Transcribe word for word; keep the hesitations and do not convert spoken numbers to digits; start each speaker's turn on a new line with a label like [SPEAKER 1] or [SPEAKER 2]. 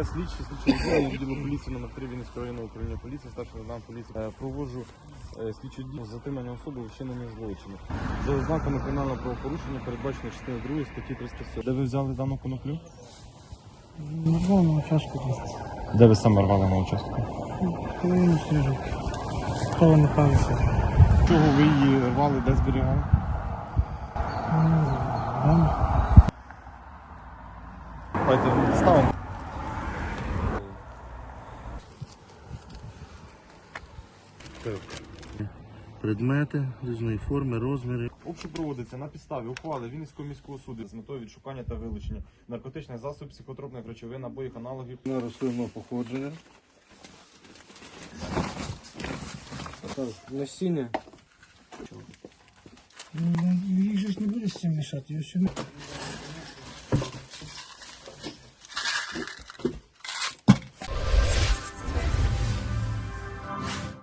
[SPEAKER 1] Я слідчий, слідчий відділення відділу поліції номер три Вінницького районного управління поліції, старший лейтенант поліції. Е, Проводжу е, слідчу дію з затримання особи у вчиненні злочину. За ознаками кримінального правопорушення передбачено частиною другої статті триста сім. Де ви взяли дану коноплю?
[SPEAKER 2] Нарвав на участку.
[SPEAKER 1] Де ви саме рвали на участку?
[SPEAKER 2] Половину сніжок. Хто не палиться?
[SPEAKER 1] Чого ви її рвали, де зберігали?
[SPEAKER 2] Вам?
[SPEAKER 1] Давайте ставимо.
[SPEAKER 3] Предмети різної форми, розміри.
[SPEAKER 1] Обшук проводиться на підставі ухвали Вінницького міського суду з метою відшукання та вилучення наркотичних засобів, психотропних речовин, набоїв, аналогів.
[SPEAKER 3] На рослинного походження.
[SPEAKER 2] Насіння. Їх же ж не буде з цим мішати.